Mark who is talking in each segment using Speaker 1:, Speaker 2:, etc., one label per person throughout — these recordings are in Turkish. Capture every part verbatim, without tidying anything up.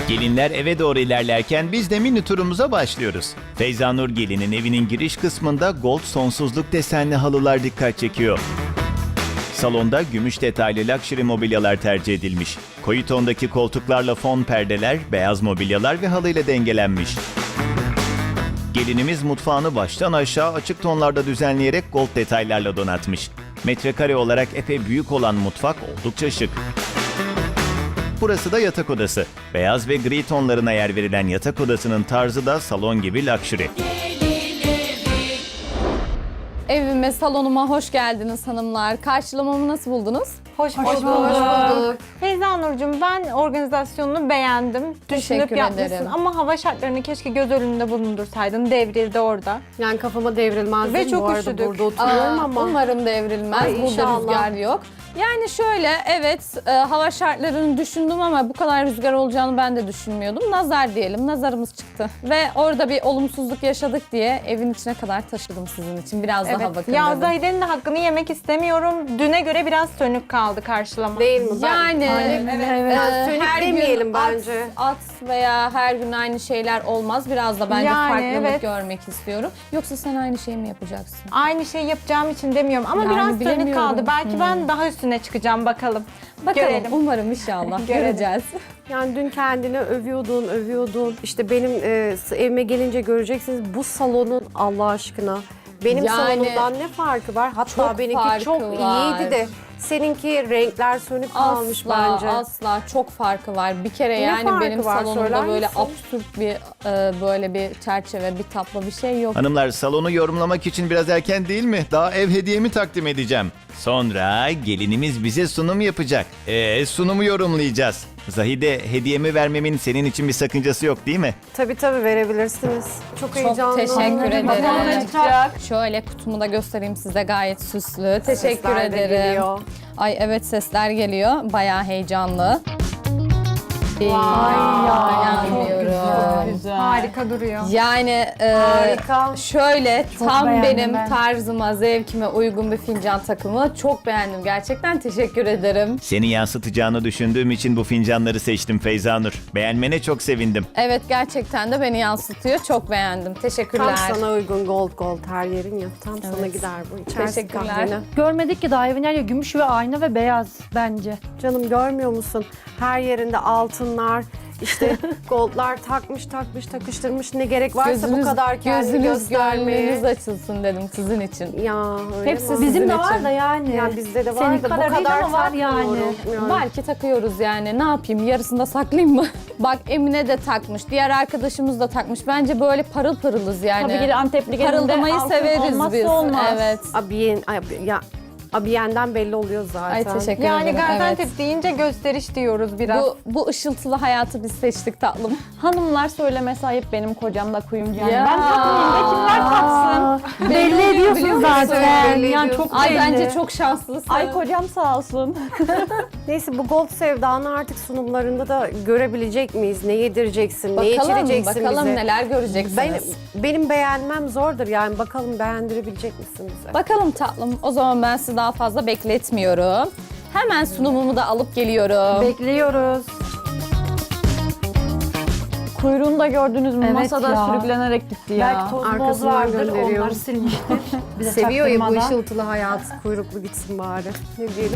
Speaker 1: Gelinler eve doğru ilerlerken biz de mini turumuza başlıyoruz. Feyza Nur gelinin evinin giriş kısmında gold sonsuzluk desenli halılar dikkat çekiyor. Salonda gümüş detaylı luxury mobilyalar tercih edilmiş. Koyu tondaki koltuklarla fon perdeler, beyaz mobilyalar ve halıyla dengelenmiş. Gelinimiz mutfağını baştan aşağı açık tonlarda düzenleyerek gold detaylarla donatmış. Metrekare olarak epey büyük olan mutfak oldukça şık. Burası da yatak odası. Beyaz ve gri tonlarına yer verilen yatak odasının tarzı da salon gibi luxury.
Speaker 2: Evime, salonuma hoş geldiniz hanımlar. Karşılamamı nasıl buldunuz?
Speaker 3: Hoş,
Speaker 4: Hoş bulduk.
Speaker 3: Feyza Nurcuğum, ben organizasyonunu beğendim. Düşünüp
Speaker 2: Teşekkür
Speaker 3: yapmışsın
Speaker 2: ederim.
Speaker 3: ama hava şartlarını keşke göz önünde bulundursaydın. Devrildi orada.
Speaker 4: Yani kafama devrilmez
Speaker 3: Ve
Speaker 4: değil mi?
Speaker 3: çok
Speaker 4: Bu arada
Speaker 3: üşüdük.
Speaker 4: burada oturuyorum
Speaker 2: Aa,
Speaker 4: ama.
Speaker 2: Umarım devrilmez.
Speaker 4: Ay,
Speaker 2: Burada
Speaker 4: inşallah.
Speaker 2: rüzgar yok. Yani şöyle, evet e, hava şartlarını düşündüm ama bu kadar rüzgar olacağını ben de düşünmüyordum. Nazar diyelim, nazarımız çıktı. Ve orada bir olumsuzluk yaşadık diye evin içine kadar taşıdım sizin için. Biraz daha
Speaker 3: Evet.
Speaker 2: bakın
Speaker 3: Ya
Speaker 2: dedim.
Speaker 3: Zahide'nin de hakkını yemek istemiyorum. Düne göre biraz sönük kaldı karşılama.
Speaker 4: Değil mi? Ben-
Speaker 2: Yani
Speaker 4: evet.
Speaker 2: e,
Speaker 4: Sönük
Speaker 2: her
Speaker 4: demeyelim
Speaker 2: gün
Speaker 4: bence.
Speaker 2: At, at veya her gün aynı şeyler olmaz. Biraz da bence
Speaker 3: Yani,
Speaker 2: farklılık
Speaker 3: evet.
Speaker 2: görmek istiyorum. Yoksa sen aynı şeyi mi yapacaksın?
Speaker 3: Aynı şeyi yapacağım için demiyorum ama
Speaker 2: Yani
Speaker 3: biraz sönük
Speaker 2: bilemiyorum.
Speaker 3: kaldı. Belki ben daha üstüne çıkacağım, bakalım.
Speaker 2: Bakalım,
Speaker 3: Görelim.
Speaker 2: umarım inşallah
Speaker 3: Görelim.
Speaker 2: göreceğiz.
Speaker 4: Yani dün kendini övüyordun, övüyordun. İşte benim e, evime gelince göreceksiniz bu salonun Allah aşkına. Benim
Speaker 2: Yani-
Speaker 4: salonumdan ne farkı var? Hatta
Speaker 2: Çok
Speaker 4: benimki
Speaker 2: farkı
Speaker 4: çok
Speaker 2: var.
Speaker 4: iyiydi de seninki renkler sönük kalmış
Speaker 2: Asla,
Speaker 4: bence.
Speaker 2: asla çok farkı var. Bir kere
Speaker 4: Ne
Speaker 2: yani
Speaker 4: farkı
Speaker 2: benim
Speaker 4: var?
Speaker 2: salonumda
Speaker 4: Söyler
Speaker 2: böyle
Speaker 4: misin?
Speaker 2: absürt bir e, böyle bir çerçeve, bir tablo bir şey yok.
Speaker 1: Hanımlar, salonu yorumlamak için biraz erken değil mi? Daha ev hediyemi takdim edeceğim. Sonra gelinimiz bize sunum yapacak. Ee, sunumu yorumlayacağız. Zahide, hediyemi vermemin senin için bir sakıncası yok değil mi?
Speaker 4: Tabii tabii verebilirsiniz. Çok,
Speaker 2: Çok
Speaker 4: heyecanlı.
Speaker 2: teşekkür
Speaker 3: Bakalım ne
Speaker 2: ederim.
Speaker 3: çıkacak.
Speaker 2: Şöyle kutumu da göstereyim size, gayet süslü. Teşekkür
Speaker 4: Sesler de
Speaker 2: ederim.
Speaker 4: geliyor.
Speaker 2: Ay evet, sesler geliyor. Bayağı heyecanlı. Vay dayanmıyorum.
Speaker 3: Harika duruyor.
Speaker 2: Yani e,
Speaker 4: Harika.
Speaker 2: şöyle tam
Speaker 5: beğendim
Speaker 2: benim
Speaker 5: ben.
Speaker 2: tarzıma, zevkime uygun bir fincan takımı. Çok beğendim gerçekten. Teşekkür ederim.
Speaker 1: Seni yansıtacağını düşündüğüm için bu fincanları seçtim Feyza Nur. Beğenmene çok sevindim.
Speaker 2: Evet, gerçekten de beni yansıtıyor. Çok beğendim. Teşekkürler.
Speaker 4: Tam sana uygun gold gold her yerin ya. Tam sana gider bu. İçersin
Speaker 2: Teşekkürler.
Speaker 4: kahveni.
Speaker 5: Görmedik ki daha evin her yeri gümüş ve ayna ve beyaz bence.
Speaker 4: Canım görmüyor musun? Her yerinde altınlar, işte goldlar takmış takmış takıştırmış. Ne gerek varsa bu kadar kendini
Speaker 2: gözünüz,
Speaker 4: göstermeye.
Speaker 2: gönlünüz açılsın dedim sizin için.
Speaker 4: Ya öyle
Speaker 2: Hepsi
Speaker 4: mi?
Speaker 2: sizin
Speaker 5: Bizim de
Speaker 2: için.
Speaker 5: var da yani.
Speaker 4: Ya bizde de var
Speaker 5: Senin
Speaker 4: da
Speaker 5: kadar
Speaker 4: bu
Speaker 5: değil
Speaker 4: kadar
Speaker 5: ama var yani.
Speaker 4: takmıyorum. Yani.
Speaker 2: Var ki takıyoruz yani. Ne yapayım? Yarısını da saklayayım mı? Bak, Emine de takmış. Diğer arkadaşımız da takmış. Bence böyle parıl pırılız yani.
Speaker 5: Tabii ki de Antepli gelinde
Speaker 2: Parıldamayı
Speaker 5: altın
Speaker 2: severiz
Speaker 5: olmazsa
Speaker 2: biz.
Speaker 5: olmaz.
Speaker 2: Evet.
Speaker 4: Abiyen, abi- ya abiyenden belli oluyor zaten.
Speaker 2: Ay teşekkür
Speaker 3: Yani
Speaker 2: ederim.
Speaker 3: Gaziantep
Speaker 2: Evet.
Speaker 3: deyince gösteriş diyoruz biraz.
Speaker 2: Bu, bu ışıltılı hayatı biz seçtik tatlım.
Speaker 5: Hanımlar söylemesi ayıp, benim kocam da kuyumcu yani.
Speaker 2: Ya.
Speaker 5: Ben takmayayım da kimler taksın? Belli
Speaker 2: biliyor
Speaker 5: ediyorsun
Speaker 2: musun?
Speaker 5: zaten.
Speaker 4: Belli
Speaker 5: Yani
Speaker 4: ediyorsun.
Speaker 5: çok
Speaker 2: Ay
Speaker 5: belli.
Speaker 2: bence çok şanslısın.
Speaker 5: Ay kocam sağ olsun.
Speaker 4: Neyse, bu gold sevdanı artık sunumlarında da görebilecek miyiz? Ne yedireceksin, ne
Speaker 2: Bakalım,
Speaker 4: içireceksin
Speaker 2: bakalım
Speaker 4: bize?
Speaker 2: neler göreceksiniz.
Speaker 4: Benim, benim beğenmem zordur yani. Bakalım beğendirebilecek misin bize?
Speaker 2: Bakalım tatlım. O zaman ben sizi daha fazla bekletmiyorum. Hemen sunumumu da alıp geliyorum.
Speaker 5: Bekliyoruz.
Speaker 6: Kuyruğunu da gördünüz mü?
Speaker 5: Evet
Speaker 6: Masada
Speaker 5: ya.
Speaker 6: sürüklenerek gitti ya.
Speaker 5: Belki toz boz
Speaker 4: Arkasından
Speaker 5: vardır,
Speaker 4: gönderiyor.
Speaker 5: onları silmiştir. Bize
Speaker 4: Seviyor ya bu
Speaker 5: çaktırmadan.
Speaker 4: ışıltılı hayat. Kuyruklu gitsin bari. Ne diyelim?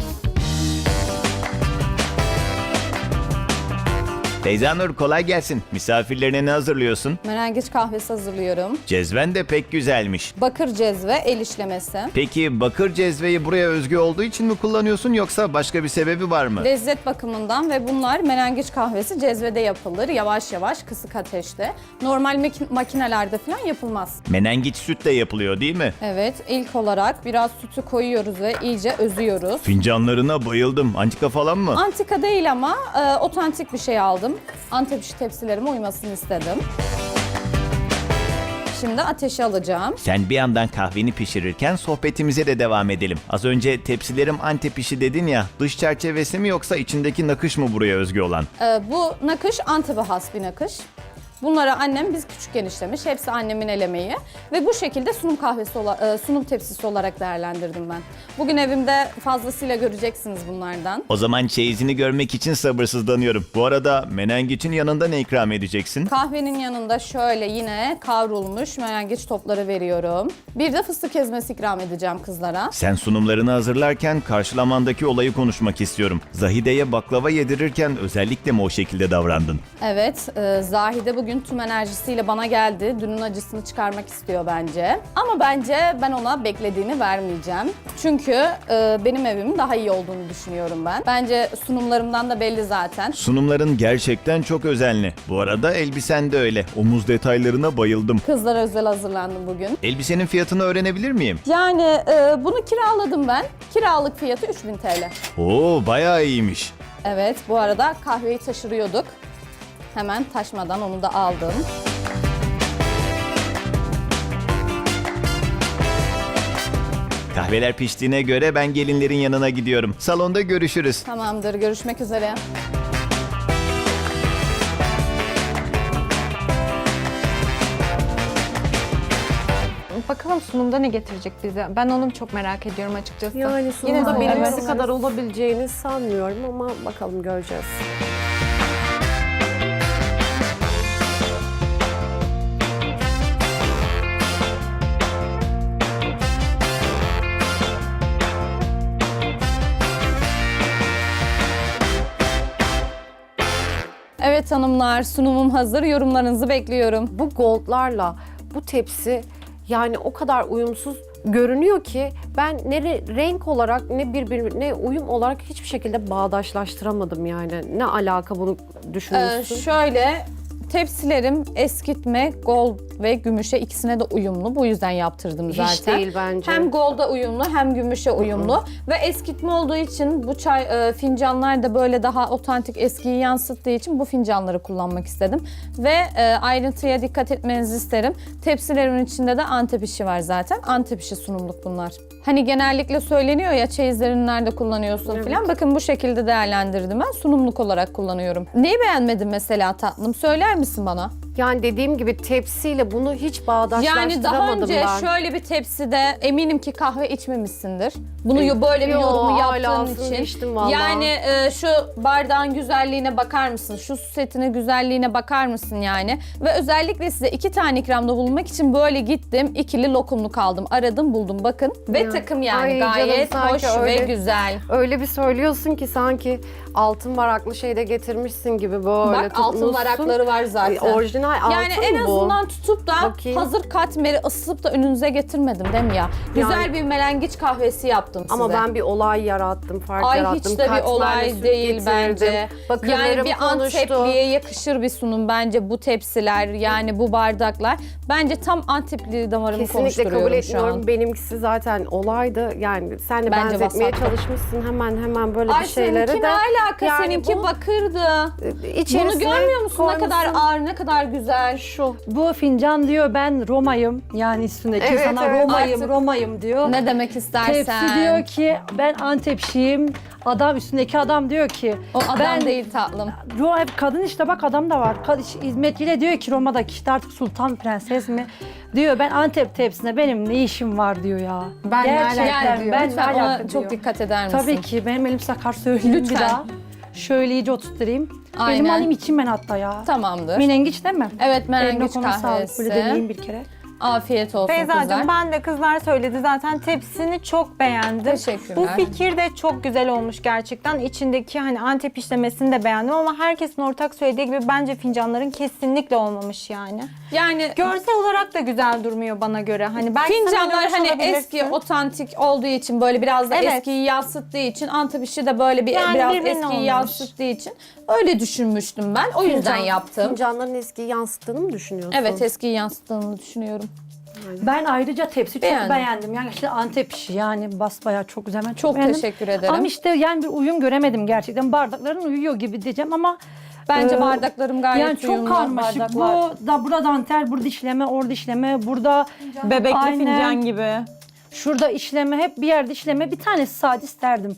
Speaker 1: Feyza Nur, kolay gelsin. Misafirlerine ne hazırlıyorsun?
Speaker 2: Menengiç kahvesi hazırlıyorum.
Speaker 1: Cezven de pek güzelmiş.
Speaker 2: Bakır cezve, el işlemesi.
Speaker 1: Peki bakır cezveyi buraya özgü olduğu için mi kullanıyorsun yoksa başka bir sebebi var mı?
Speaker 2: Lezzet bakımından ve bunlar menengiç kahvesi cezvede yapılır. Yavaş yavaş, kısık ateşte. Normal mak- makinelerde falan yapılmaz.
Speaker 1: Menengiç sütle yapılıyor değil mi?
Speaker 2: Evet, ilk olarak biraz sütü koyuyoruz ve iyice özüyoruz.
Speaker 1: Fincanlarına bayıldım. Antika falan mı?
Speaker 2: Antika değil ama e, otantik bir şey aldım. Antep işi tepsilerime uymasını istedim. Şimdi ateşe alacağım.
Speaker 1: Sen bir yandan kahveni pişirirken sohbetimize de devam edelim. Az önce tepsilerim Antep işi dedin ya, dış çerçevesi mi yoksa içindeki nakış mı buraya özgü olan?
Speaker 2: E, bu nakış Antep'e has bir nakış. Bunları annem biz küçükken işlemiş. Hepsi annemin el emeği. Ve bu şekilde sunum kahvesi, ola- e, sunum tepsisi olarak değerlendirdim ben. Bugün evimde fazlasıyla göreceksiniz bunlardan.
Speaker 1: O zaman çeyizini görmek için sabırsızlanıyorum. Bu arada menengiçin yanında ne ikram edeceksin?
Speaker 2: Kahvenin yanında şöyle yine kavrulmuş menengiç topları veriyorum. Bir de fıstık ezmesi ikram edeceğim kızlara.
Speaker 1: Sen sunumlarını hazırlarken karşılamandaki olayı konuşmak istiyorum. Zahide'ye baklava yedirirken özellikle mi o şekilde davrandın?
Speaker 2: Evet, e, Zahide bugün tüm enerjisiyle bana geldi. Dünün acısını çıkarmak istiyor bence. Ama bence ben ona beklediğini vermeyeceğim. Çünkü e, benim evimin daha iyi olduğunu düşünüyorum ben. Bence sunumlarımdan da belli zaten.
Speaker 1: Sunumların gerçekten çok özenli. Bu arada elbisen de öyle. Omuz detaylarına bayıldım.
Speaker 2: Kızlara özel hazırlandım bugün.
Speaker 1: Elbisenin fiyatını öğrenebilir miyim?
Speaker 2: Yani e, bunu kiraladım ben. Kiralık fiyatı üç bin T L.
Speaker 1: Oo, bayağı iyiymiş.
Speaker 2: Evet, bu arada kahveyi taşırıyorduk. Hemen taşmadan onu da aldım.
Speaker 1: Kahveler piştiğine göre ben gelinlerin yanına gidiyorum. Salonda görüşürüz.
Speaker 2: Tamamdır, görüşmek üzere.
Speaker 3: Bakalım sunumda ne getirecek bize? Ben onu çok merak ediyorum açıkçası.
Speaker 4: Yani
Speaker 3: Yine
Speaker 4: sunumda
Speaker 3: de
Speaker 4: birincisi
Speaker 3: evet.
Speaker 4: kadar olabileceğini sanmıyorum ama bakalım göreceğiz.
Speaker 2: Evet hanımlar, sunumum hazır. Yorumlarınızı bekliyorum.
Speaker 4: Bu goldlarla bu tepsi yani o kadar uyumsuz görünüyor ki ben ne re- renk olarak ne birbir ne uyum olarak hiçbir şekilde bağdaşlaştıramadım yani. Ne alaka bunu
Speaker 2: Ee,
Speaker 4: düşünüyorsun?
Speaker 2: şöyle, tepsilerim eskitme, gold ve gümüşe ikisine de uyumlu. Bu yüzden yaptırdım zaten.
Speaker 4: Hiç değil bence.
Speaker 2: Hem golda uyumlu hem gümüşe uyumlu. Ve eskitme olduğu için bu çay e, fincanlar da böyle daha otantik eskiyi yansıttığı için bu fincanları kullanmak istedim. Ve e, ayrıntıya dikkat etmenizi isterim. Tepsilerimin içinde de Antep işi var zaten. Antep işi sunumluk bunlar. Hani genellikle söyleniyor ya çeyizlerini nerede kullanıyorsun
Speaker 4: Evet.
Speaker 2: falan. Bakın bu şekilde değerlendirdim ben. Sunumluk olarak kullanıyorum. Neyi beğenmedin mesela tatlım? Söyler misin bana?
Speaker 4: Yani dediğim gibi tepsiyle bunu hiç
Speaker 2: Yani
Speaker 4: bağdaşlaştıramadım
Speaker 2: daha önce
Speaker 4: ben.
Speaker 2: şöyle bir tepside eminim ki kahve içmemişsindir. Bunu yo- böyle bir
Speaker 4: Yo,
Speaker 2: yorumu
Speaker 4: hala
Speaker 2: yaptığın
Speaker 4: aslında
Speaker 2: için.
Speaker 4: içtim vallahi.
Speaker 2: Yani e, şu bardağın güzelliğine bakar mısın? Şu su setine güzelliğine bakar mısın yani? Ve özellikle size iki tane ikramda bulunmak için böyle gittim. İkili lokumluk aldım. Aradım buldum bakın. Ve
Speaker 4: Ya.
Speaker 2: takım yani
Speaker 4: Ay canım,
Speaker 2: gayet
Speaker 4: sanki
Speaker 2: hoş ve
Speaker 4: öyle.
Speaker 2: güzel.
Speaker 4: Öyle bir söylüyorsun ki sanki altın varaklı şeyde getirmişsin gibi böyle
Speaker 2: Bak altın
Speaker 4: tutmuşsun.
Speaker 2: varakları var zaten.
Speaker 4: Ay, orijinal altın
Speaker 2: Yani en
Speaker 4: mı bu?
Speaker 2: azından tutup da
Speaker 4: Bakayım.
Speaker 2: hazır katmeri ısıtıp da önünüze getirmedim değil mi ya? Güzel
Speaker 4: Yani-
Speaker 2: bir melengiç kahvesi yaptım size.
Speaker 4: Ama ben bir olay yarattım, fark
Speaker 2: Ay
Speaker 4: yarattım.
Speaker 2: hiç de bir
Speaker 4: Katmerle
Speaker 2: olay
Speaker 4: süt
Speaker 2: değil
Speaker 4: getirdim.
Speaker 2: bence.
Speaker 4: Bakırlarım
Speaker 2: Yani bir
Speaker 4: konuştu.
Speaker 2: Antepli'ye yakışır bir sunum bence bu tepsiler yani bu bardaklar. Bence tam Antepli damarımı
Speaker 4: Kesinlikle kabul
Speaker 2: konuşturuyorum şu
Speaker 4: etmiyorum.
Speaker 2: an.
Speaker 4: Benimkisi zaten olaydı. Yani sen de
Speaker 2: Bence
Speaker 4: benzetmeye
Speaker 2: vasattı.
Speaker 4: çalışmışsın hemen hemen böyle
Speaker 2: Ay
Speaker 4: bir şeyleri
Speaker 2: seninki
Speaker 4: de.
Speaker 2: ne alaka?
Speaker 4: Yani
Speaker 2: Seninki
Speaker 4: bu-
Speaker 2: bakırdı.
Speaker 4: İçerisine
Speaker 2: Bunu görmüyor musun? Ne kadar
Speaker 4: koymuşsun.
Speaker 2: ağır, ne kadar güzel.
Speaker 4: Şu.
Speaker 5: Bu fincan diyor ben Roma'yım. Yani üstündeki
Speaker 4: Evet,
Speaker 5: sana
Speaker 4: evet.
Speaker 5: Roma'yım,
Speaker 2: Artık-
Speaker 5: Roma'yım diyor.
Speaker 2: Ne demek istersen.
Speaker 5: Tepsi diyor ki ben Antepşiyim. Adam üstündeki adam diyor ki
Speaker 2: O adam
Speaker 5: ben
Speaker 2: değil tatlım.
Speaker 5: Ro hep kadın işte bak adam da var. Kad hizmetçiyle diyor ki Roma'daki işte artık sultan prenses mi? Diyor ben Antep tepsine benim ne işim var diyor ya.
Speaker 3: Ben ne alaka
Speaker 5: Gerçekten
Speaker 3: diyor.
Speaker 5: ben ne
Speaker 2: Lütfen ona
Speaker 5: alaka
Speaker 2: çok
Speaker 5: diyor.
Speaker 2: dikkat eder misin?
Speaker 5: Tabii ki benim elim sakar söyleyeyim
Speaker 2: Lütfen.
Speaker 5: bir daha. Şöyle iyice oturtturayım.
Speaker 2: Aynen.
Speaker 5: Elimi alayım içeyim ben hatta ya.
Speaker 2: Tamamdır.
Speaker 5: Menengiç değil mi?
Speaker 2: Evet
Speaker 5: Eline
Speaker 2: menengiç
Speaker 5: koluna sağlık. Böyle
Speaker 2: kahvesi.
Speaker 5: deneyeyim bir kere.
Speaker 2: Afiyet olsun
Speaker 6: Feyza'cığım
Speaker 2: kızlar.
Speaker 6: ben de kızlar söyledi zaten tepsini çok beğendim.
Speaker 2: Teşekkürler.
Speaker 6: Bu fikir de çok güzel olmuş gerçekten. İçindeki hani Antep işlemesini de beğendim ama herkesin ortak söylediği gibi bence fincanların kesinlikle olmamış yani.
Speaker 2: Yani
Speaker 6: Görsel olarak da güzel durmuyor bana göre. Hani belki sen
Speaker 2: fincanlar
Speaker 6: oynamış
Speaker 2: hani
Speaker 6: olabilirsin.
Speaker 2: eski, otantik olduğu için böyle biraz da
Speaker 6: Evet.
Speaker 2: eskiyi yansıttığı için Antep işi de böyle bir
Speaker 6: Yani
Speaker 2: biraz
Speaker 6: birbirine
Speaker 2: eskiyi
Speaker 6: olmamış.
Speaker 2: yansıttığı için öyle düşünmüştüm ben. O yüzden
Speaker 4: Fincan-
Speaker 2: yaptım.
Speaker 4: Fincanların eskiyi yansıttığını mı düşünüyorsun?
Speaker 2: Evet eskiyi yansıttığını düşünüyorum.
Speaker 5: Ben ayrıca tepsi çok
Speaker 2: Beğendim.
Speaker 5: beğendim. Yani işte Antep işi yani basbayağı çok güzel. Ben çok,
Speaker 2: Çok
Speaker 5: beğendim.
Speaker 2: teşekkür ederim.
Speaker 5: Ama işte yani bir uyum göremedim gerçekten. Bardakların uyuyor gibi diyeceğim ama
Speaker 2: Bence
Speaker 5: Ee,
Speaker 2: bardaklarım gayet
Speaker 5: yani çok
Speaker 2: uyumlu
Speaker 5: karmaşık.
Speaker 2: bardaklar.
Speaker 5: Bu da burada dantel, burada işleme, orada işleme, burada
Speaker 6: Bebekli
Speaker 5: Aynen.
Speaker 6: fincan gibi.
Speaker 5: şurada işleme, hep bir yerde işleme. Bir tanesi sade isterdim.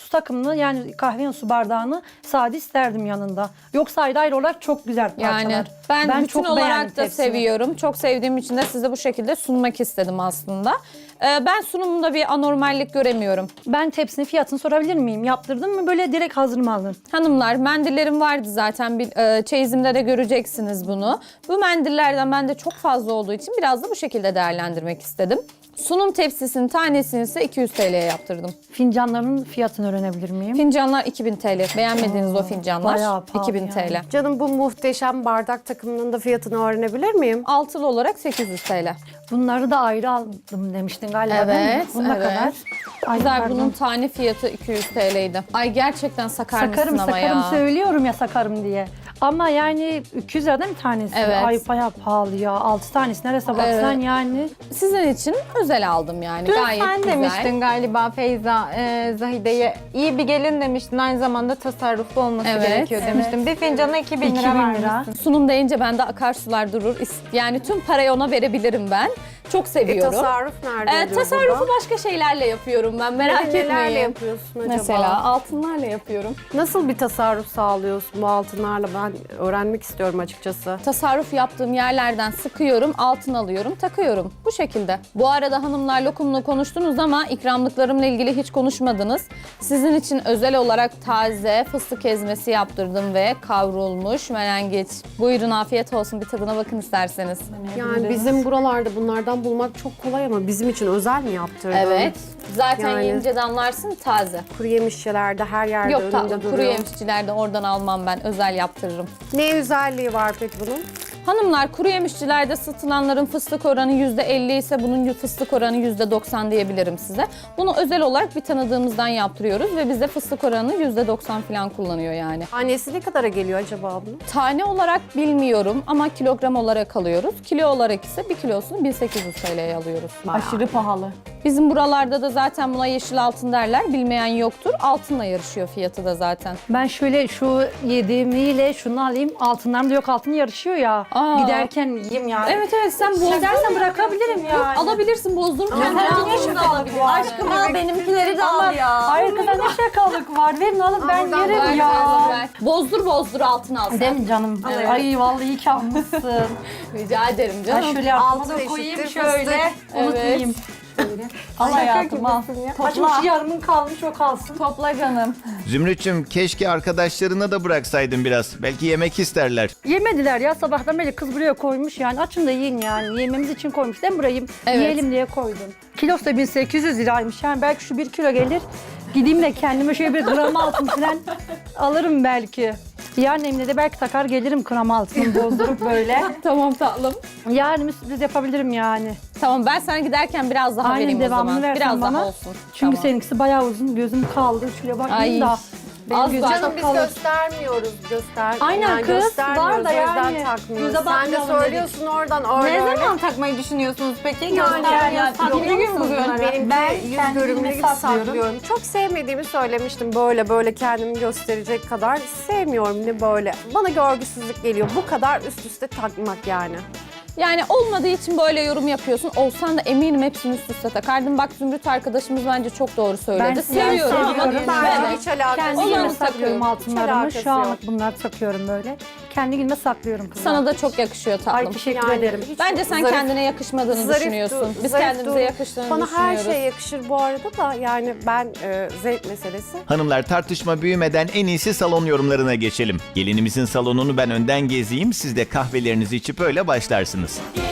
Speaker 5: su takımını yani kahvenin su bardağını sade isterdim yanında. Yoksa ayrı ayrı olarak çok güzel parçalar.
Speaker 2: Yani ben, bütün
Speaker 5: çok
Speaker 2: olarak
Speaker 5: beğendim
Speaker 2: da
Speaker 5: tepsini.
Speaker 2: seviyorum. Çok sevdiğim için de size bu şekilde sunmak istedim aslında. Ee, ben sunumunda bir anormallik göremiyorum.
Speaker 5: Ben tepsinin fiyatını sorabilir miyim? Yaptırdın mı böyle direkt hazır mı aldın?
Speaker 2: Hanımlar, mendillerim vardı zaten. Bir, e, çeyizimde de göreceksiniz bunu. Bu mendillerden bende çok fazla olduğu için biraz da bu şekilde değerlendirmek istedim. Sunum tepsisinin tanesini ise iki yüz T L'ye yaptırdım.
Speaker 5: Fincanların fiyatını öğrenebilir miyim?
Speaker 2: Fincanlar iki bin T L. Beğenmediğiniz o fincanlar
Speaker 5: bayağı pahalı
Speaker 2: iki bin T L.
Speaker 5: yani.
Speaker 4: Canım bu muhteşem bardak takımının da fiyatını öğrenebilir miyim?
Speaker 2: Altılı olarak sekiz yüz T L.
Speaker 5: Bunları da ayrı aldım demiştin galiba değil mi?
Speaker 2: Evet,
Speaker 5: Bu ne
Speaker 2: evet.
Speaker 5: kadar? Ay,
Speaker 2: Güzel,
Speaker 5: pardon.
Speaker 2: bunun tane fiyatı iki yüz T L'ydi. Ay gerçekten sakar
Speaker 5: Sakarım
Speaker 2: mısın ama
Speaker 5: sakarım
Speaker 2: ya?
Speaker 5: söylüyorum ya sakarım diye. Ama yani iki yüz lira değil mi tanesi?
Speaker 2: Evet.
Speaker 5: Ay bayağı pahalı ya. altı tanesi neresi baksan
Speaker 2: Evet.
Speaker 5: yani.
Speaker 2: Sizin için özel aldım yani.
Speaker 6: Dün
Speaker 2: Gayet
Speaker 6: sen
Speaker 2: güzel.
Speaker 6: demiştin galiba Feyza, e, Zahide'ye iyi bir gelin demiştin. Aynı zamanda tasarruflu olması
Speaker 2: Evet,
Speaker 6: gerekiyor demiştin. Bir fincana iki bin
Speaker 5: iki
Speaker 6: lira
Speaker 5: bin
Speaker 6: vermişsin.
Speaker 5: lira.
Speaker 2: Sunum deyince bende akarsular durur. İs- Yani tüm parayı ona verebilirim ben. Çok
Speaker 4: E,
Speaker 2: seviyorum.
Speaker 4: tasarruf nerede
Speaker 2: Ee,
Speaker 4: oluyor
Speaker 2: tasarrufu
Speaker 4: burada?
Speaker 2: başka şeylerle yapıyorum ben, merak
Speaker 4: Nelerle
Speaker 2: etmeyin.
Speaker 4: yapıyorsun acaba?
Speaker 2: Mesela altınlarla yapıyorum.
Speaker 4: Nasıl bir tasarruf sağlıyorsun bu altınlarla? Ben öğrenmek istiyorum açıkçası.
Speaker 2: Tasarruf yaptığım yerlerden sıkıyorum, altın alıyorum, takıyorum. Bu şekilde. Bu arada hanımlar lokumla konuştunuz ama ikramlıklarımla ilgili hiç konuşmadınız. Sizin için özel olarak taze fıstık ezmesi yaptırdım ve kavrulmuş menengiç. Buyurun, afiyet olsun, bir tadına bakın isterseniz.
Speaker 4: Yani bizim buralarda bunlardan bulmak çok kolay ama bizim için özel mi yaptırdın?
Speaker 2: Evet. Zaten
Speaker 4: Yani-
Speaker 2: yiyince de anlarsın, taze.
Speaker 4: Kuru yemişçilerde her yerde
Speaker 2: Yok
Speaker 4: önünde
Speaker 2: tatlım,
Speaker 4: duruyor.
Speaker 2: kuru yemişçilerde oradan almam ben, özel yaptırırım.
Speaker 4: Ne özelliği var peki bunun?
Speaker 2: Hanımlar, kuru yemişçilerde satılanların fıstık oranı yüzde elli ise bunun fıstık oranı yüzde doksan diyebilirim size. Bunu özel olarak bir tanıdığımızdan yaptırıyoruz ve bize fıstık oranı yüzde doksan falan kullanıyor yani.
Speaker 4: Tanesi ne kadara geliyor acaba bunun?
Speaker 2: Tane olarak bilmiyorum ama kilogram olarak alıyoruz. Kilo olarak ise bir kilosunu bin sekiz yüz T L'ye alıyoruz.
Speaker 6: Aşırı pahalı.
Speaker 2: Bizim buralarda da zaten buna yeşil altın derler. Bilmeyen yoktur. Altınla yarışıyor fiyatı da zaten.
Speaker 5: Ben şöyle şu yediğimiyle şunu alayım. Altınlarım da yok, altın yarışıyor ya.
Speaker 2: Aa.
Speaker 5: Giderken yiyeyim yani.
Speaker 2: Evet evet, sen bozdurma.
Speaker 5: İstersen bırakabilirim yani.
Speaker 2: Alabilirsin, bozdurup kendine almışsın da alabilirsin.
Speaker 3: Aşkım al benimkileri de al ya.
Speaker 5: Hayır kızlar ne şakalık var. Verin alın ben
Speaker 4: buradan
Speaker 5: yerim
Speaker 2: Ver,
Speaker 5: ya.
Speaker 2: ver, ver. Bozdur bozdur altın al sen.
Speaker 5: Değil mi canım?
Speaker 2: Evet.
Speaker 5: Ay vallahi iyi ki almışsın.
Speaker 2: Rica ederim
Speaker 5: Ben
Speaker 2: canım.
Speaker 5: şöyle arkama
Speaker 4: Altın
Speaker 5: da koyayım
Speaker 4: eşittir
Speaker 5: şöyle.
Speaker 2: Evet.
Speaker 5: Unutmayayım. Şöyle. Al hayatım al. Açmış yarımın kalmış o kalsın.
Speaker 6: Topla canım.
Speaker 1: Zümrüt'cüm keşke arkadaşlarına da bıraksaydın biraz. Belki yemek isterler.
Speaker 5: Yemediler ya sabahtan beri kız buraya koymuş yani açın da yiyin yani yememiz için koymuş değil mi burayı
Speaker 2: Evet.
Speaker 5: yiyelim diye koydum. Kilosu da bin sekiz yüz liraymış yani belki şu bir kilo gelir gideyim de kendime şöyle bir gram altın falan alırım belki. Yarın Emine de belki takar gelirim gram altını bozdurup böyle.
Speaker 2: Tamam tatlım.
Speaker 5: Yarın bir sürpriz yapabilirim yani.
Speaker 2: Tamam, ben sana giderken biraz daha
Speaker 5: Aynen,
Speaker 2: vereyim o
Speaker 5: devamını
Speaker 2: zaman.
Speaker 5: versen
Speaker 2: Biraz
Speaker 5: bana.
Speaker 2: daha olsun.
Speaker 5: Çünkü
Speaker 2: Tamam.
Speaker 5: seninkisi bayağı uzun gözüm kaldı şuraya bakayım
Speaker 2: Ay.
Speaker 5: da. Benim
Speaker 2: Az
Speaker 5: gözüm
Speaker 2: daha.
Speaker 4: Canım
Speaker 5: çok
Speaker 4: biz
Speaker 5: kalın.
Speaker 4: göstermiyoruz. Göster.
Speaker 5: Aynen
Speaker 4: yani
Speaker 5: kız,
Speaker 4: göstermiyoruz,
Speaker 5: var da
Speaker 4: o yüzden
Speaker 5: yani.
Speaker 4: takmıyoruz.
Speaker 5: Göze
Speaker 4: Sen de
Speaker 5: bakmayalım
Speaker 4: söylüyorsun oradan öyle
Speaker 6: Ne
Speaker 4: öyle.
Speaker 6: zaman takmayı düşünüyorsunuz peki?
Speaker 4: Yani,
Speaker 6: Göstermiyorsunuz.
Speaker 4: yani,
Speaker 6: Takmayı
Speaker 4: yok
Speaker 6: gün
Speaker 4: musunuz?
Speaker 6: bunları?
Speaker 4: Benimki
Speaker 5: Ben
Speaker 4: yüz
Speaker 5: kendimi
Speaker 4: görümlü gibi
Speaker 5: saklıyorum.
Speaker 4: saklıyorum. Çok sevmediğimi söylemiştim. Böyle böyle kendimi gösterecek kadar sevmiyorum ne böyle. Bana görgüsüzlük geliyor. Bu kadar üst üste takmak yani.
Speaker 2: Yani olmadığı için böyle yorum yapıyorsun. Olsan da eminim hepsini üst üste takardın. Bak Zümrüt arkadaşımız bence çok doğru söyledi.
Speaker 5: Ben
Speaker 2: seviyorum ama
Speaker 5: seviyorum.
Speaker 2: ben
Speaker 4: Bence hiç alakası
Speaker 5: Kendi
Speaker 2: Olanı
Speaker 5: günüme
Speaker 4: yok.
Speaker 5: saklıyorum
Speaker 2: takıyorum.
Speaker 5: altınlarımı.
Speaker 4: alakası
Speaker 5: Şu anlık
Speaker 4: yok.
Speaker 5: bunları takıyorum böyle. Kendi günüme saklıyorum kızlar.
Speaker 2: sana da çok yakışıyor tatlım.
Speaker 5: Ay teşekkür
Speaker 4: Yani
Speaker 5: ederim.
Speaker 4: hiç
Speaker 2: Bence sen
Speaker 4: zarif-
Speaker 2: kendine yakışmadığını
Speaker 4: zarif
Speaker 2: düşünüyorsun.
Speaker 4: dur-
Speaker 2: Biz
Speaker 4: zarif
Speaker 2: kendimize
Speaker 4: dur.
Speaker 2: yakıştığını
Speaker 4: Bana her
Speaker 2: düşünüyoruz.
Speaker 4: şey yakışır bu arada da yani ben e, zevk meselesi.
Speaker 1: Hanımlar tartışma büyümeden en iyisi salon yorumlarına geçelim. Gelinimizin salonunu ben önden gezeyim. Siz de kahvelerinizi içip öyle başlarsınız.